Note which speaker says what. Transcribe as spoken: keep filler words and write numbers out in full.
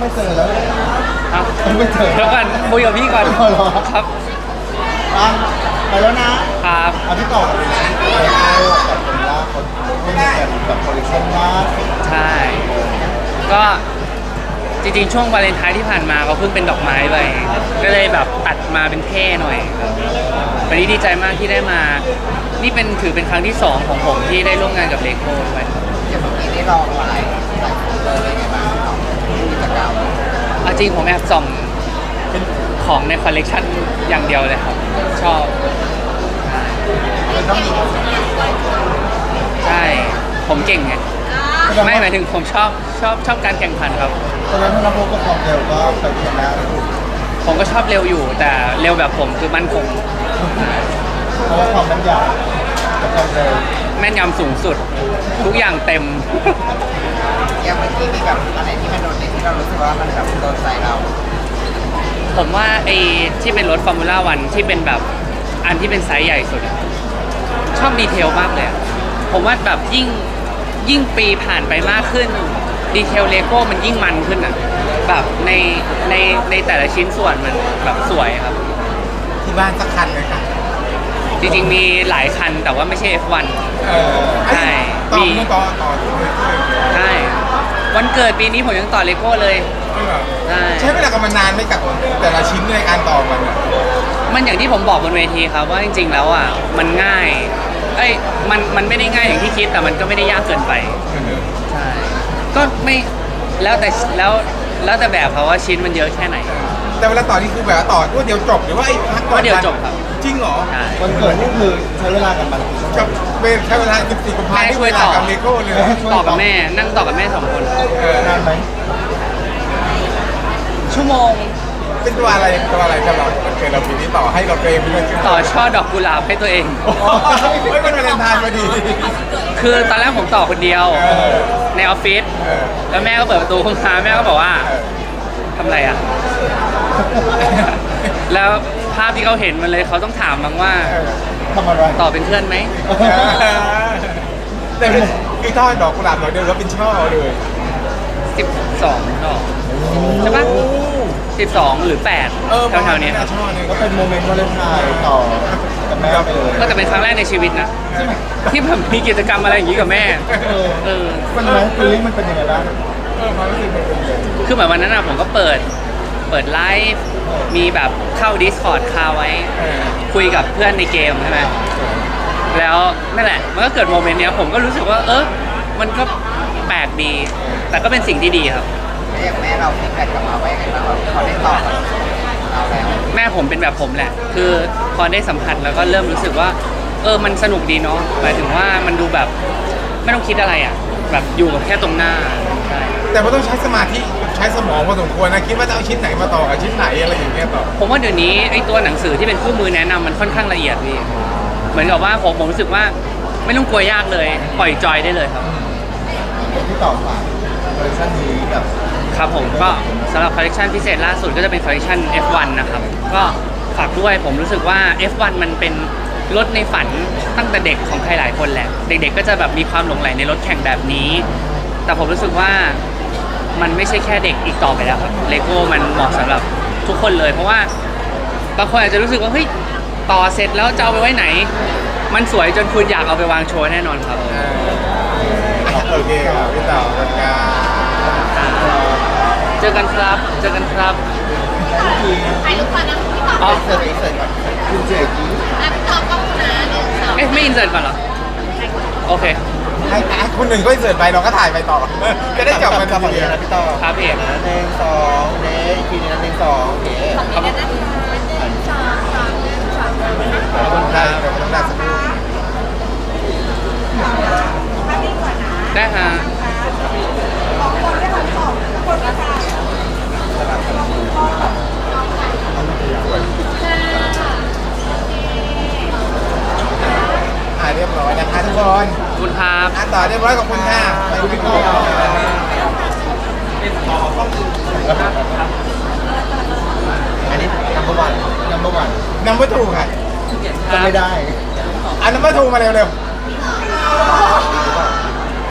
Speaker 1: ไม่เจอแล้ว
Speaker 2: ครับ
Speaker 1: ไม่เจอ
Speaker 2: เดี๋ยวก่อนคุยกับพี่ก่อน
Speaker 1: อ๋อเหรอ
Speaker 2: ครับ
Speaker 1: อ่ะไปแล้วนะครับ เอาพี่ต่อเลยนะไลโก้กับคนล่าคนไม่มีกันแบบคอลเลคชั่นล่าสุด
Speaker 2: ใช่ ก็จริงๆช่วงวาเลนไทน์ที่ผ่านมาเขาเพิ่งเป็นดอกไม้ไปก็เลยแบบตัดมาเป็นเท่หน่อยครับวันนี้ดีใจมากที่ได้มา นี่เป็นถือเป็นครั้งที่สองของผมที่ได้ร่วมงานกับเลโก้ด้วยครับ
Speaker 3: อย่างเมื่อกี้ได้ลองหลายหลายคนเลยเป็นไงบ้างครับกิจกรรม
Speaker 2: เอาจริงผมแอบส่องเป็นของในคอลเลกชันอย่างเดียวเลยครับ ชอบ
Speaker 3: มันต้องมี
Speaker 2: ใช่ ผมเก่งไง ไม่หมายถึงผมชอบชอบชอบการแข่งขันครับ
Speaker 1: ตอนนั้นถ้าเราพบกับความเร็วก็ไปชนะ
Speaker 2: ผมก็ชอบเร็วอยู่ แต่เร็วแบบผมคือมั่นคง
Speaker 1: เพราะว่าความมันยาวกับความเร็ว
Speaker 2: แม่นยำสูงสุด ทุกอย่างเต็ม
Speaker 3: อย่างเมื่อกี้มีแบบอะไรที่มันโดนใจที่เรารู้สึกว่ามันแบบโดนใจเรา
Speaker 2: ผมว่าไอ้ที่เป็นรถฟอร์มูล่าวันที่เป็นแบบอันที่เป็นไซส์ใหญ่สุดอะชอบดีเทลมากเลยอะผมว่าแบบยิ่งยิ่งปีผ่านไปมากขึ้น ดีเทลเลโก้มันยิ่งมันขึ้นอ่ะแบบในในในแต่ละชิ้นส่วนมันแบบสวยครับ
Speaker 3: ที่บ้านสักคันเลยค่ะ
Speaker 2: จริงๆมีหลายคันแต่ว่าไม่ใช่ เอฟ วัน
Speaker 3: เออ
Speaker 2: ใช่
Speaker 3: ต่อ
Speaker 2: มี
Speaker 3: ต่อต่อ
Speaker 2: ใช่วันเกิดปีนี้ผมยังต่อเลโก้เลยใช่
Speaker 3: ใช้เวลากับมันนานไหมกับแต่ละชิ้นในการต่อมันอะ
Speaker 2: มันอย่างที่ผมบอกบนเวทีครับว่าจริงๆแล้วอ่ะมันง่ายเอ้ยมันมันไม่ได้ง่ายอย่างที่คิดแต่มันก็ไม่ได้ยากเกินไปใช่ก็ไม่แล้วแต่แล้วแล้วแต่แบบเขาว่าชิ้นมันเยอะแค่ไหน
Speaker 3: แต่เวลาต่อนี่คือแบบว่าต่อรวดเดียวจบหรือว่าไอ้พักก่อน
Speaker 2: รวดเดียวจบครับ
Speaker 3: จริงเหรอ
Speaker 2: ใช่
Speaker 1: วันเกิดนี่คือใช้เวลากับมันกี่ชั่วโม
Speaker 3: กับ
Speaker 1: ง
Speaker 3: เป็นแค่เวลาสิบสี่กุมภาพันธ์ที่เวลากับเลโก้เลย
Speaker 2: ต่อกับแม่นั่งต่อกับแม่สองคน
Speaker 3: เออน
Speaker 1: านไหม
Speaker 2: ชั่วโมง
Speaker 3: เป็นตัวอะไรตัวอะไรสำหรับวันเกิดเราปีนี้ต่อให้เราเองเพื่อน
Speaker 2: ต่อช่อดอกกุหลาบให้ตัวเอง
Speaker 3: โอ้ยมันวาเลนไทน์พอดี
Speaker 2: คือตอนแรกผมต่อคนเดียว
Speaker 3: เออ
Speaker 2: ในออฟฟิศ
Speaker 3: เออ
Speaker 2: แล้วแม่ก็เปิดประตูเข้ามาแม่ก็บอกว่าทำอะไรอ่ะ แล้วภาพที่เขาเห็นมันเลยเขาต้องถามบ้างว่า
Speaker 1: ทำอะไร
Speaker 2: ต่อเป็นเพื่อนไหม
Speaker 3: แต่คือคือทอดดอกกุหลาบดอกเดียวแล้วเป็นช่อเลย
Speaker 2: สิบสองดอกใช่ปะสิบสองหรือแปด
Speaker 3: เออ
Speaker 2: แถวๆเนี้ย
Speaker 3: ช่อหนึง
Speaker 1: ก็เป็นโมเมนต์วาเลนไทน์ต่อกับแม่ไปเลย
Speaker 2: ก็จะเป็นครั้งแรกในชีวิตนะ
Speaker 1: ใช่ไหม
Speaker 2: ที่ผมมีกิจกรรมอะไรอย่างนี้กับแม่
Speaker 1: เออ
Speaker 2: เออ
Speaker 1: มันไหมฟีลลิ่งมันเป็นยังไงบ้าง
Speaker 3: เออความรู้สึกมันเป็นยังไง
Speaker 2: คือเหมือนวันนั้นอะผมก็เปิด เปิดไลฟ์ มีแบบเข้า Discord คาไว้
Speaker 3: เออ
Speaker 2: คุยกับเพื่อนในเกมใช่ไหม แล้วนั่นแหละ มันก็เกิดโมเมนต์เนี้ยผมก็รู้สึกว่า เออ มันก็แปลกดี แต่ก็เป็นสิ่งที่ดีครับ
Speaker 3: แล้วอย่างแม่เราฟีดแบ็กกลับมาว่ายังไงบ้างว่าพอได้ต่อกับเราแล้ว
Speaker 2: แม่ผมเป็นแบบผมแหละ คือพอได้สัมผัสแล้วก็เริ่มรู้สึกว่า เออ มันสนุกดีเนาะ หมายถึงว่ามันดูแบบไม่ต้องคิดอะไรอ่ะ แบบอยู่กับแค่ตรงหน้าใช่
Speaker 3: แต่มันต้องใช้สมาธิใช้สมองพอสมควรนะคิดว่าจะเอาชิ้นไหนมาต่อกับชิ้นไหนอะไรอย่างเงี้ยต่อ
Speaker 2: ผมว่าเดี๋ยวนี้ไอ้ตัวหนังสือที่เป็นคู่มือแนะนำมันค่อนข้างละเอียดพี่ เหมือนกับว่าผมผมรู้สึกว่าไม่ต้องกลัวยากเลย ปล่อยจอยได้เลยครับ
Speaker 1: ที่ต่อฝากคอลเลคชั่นนี้แบบ
Speaker 2: ครับผมก็สำหรับคอลเลคชันพิเศษล่าสุดก็จะเป็นคอลเลคชัน เอฟ วัน นะครับ ก็ฝากด้วยผมรู้สึกว่า เอฟ วัน มันเป็นรถในฝันตั้งแต่เด็กของใครหลายคนแหละ เด็กๆก็จะแบบมีความหลงใหลในรถแข่งแบบนี้ แต่ผมรู้สึกว่ามันไม่ใช่แค่เด็กอีกต่อไปแล้วครับเลโก้มันเหมาะสำหรับทุกคนเลย เพราะว่าบางคนอาจจะรู้สึกว่าเฮ้ยต่อเสร็จแล้วจะเอาไปไว้ไหน มันสวยจนคุณอยากเอาไปวางโชว์แน่นอนครับ
Speaker 3: เออโอเคครับพี่ต่อขอบคุณครับ
Speaker 2: เจอกันครับ เจอกันครับ
Speaker 1: ที
Speaker 4: ถ่ายรูปก่อนนะพี่ต่อ
Speaker 2: อ๋อ
Speaker 1: เสร็จเสร็จก่อนคุณเจกี้
Speaker 4: อ่ะพี่ต่อกล้องนะหนึ่งสอง
Speaker 2: เอ๊ะไม่อินเสิร์ตก่อนเหรอ โอเค
Speaker 3: ให้ให้คนหนึ่งก็เสิร์ฟไปเราก็ถ่ายไปต่อจะได้จบกัน
Speaker 1: กับ
Speaker 3: ที
Speaker 1: ฝั่ง
Speaker 3: เดี
Speaker 1: นี้
Speaker 3: ยว
Speaker 1: นะพี่ต่อ
Speaker 2: ครับพี่เอก
Speaker 1: หนึ่งสองเด้อีกทีนึงนะหนึ่งสองโอเค
Speaker 4: ฝั่งนี้นะคะหนึ่งสองสามหนึ่งสองสามนะคะ
Speaker 3: ขอบคุณครับเดี๋ยวต้องได้สักครู่
Speaker 2: ได้ฮะ
Speaker 3: อ่าเรียบร้อยนะคะทุกคน
Speaker 2: ขอบคุณครับ
Speaker 3: อ่ะต่อเรียบร้อยขอบคุณค่ะไปพี่ต่อ
Speaker 1: อันนี้ number one number one
Speaker 3: นัมเบอร์ทูค่ะ
Speaker 1: ก็ไม่ได้
Speaker 3: อ่ะนัมเบอร์ทูมาเร็วๆ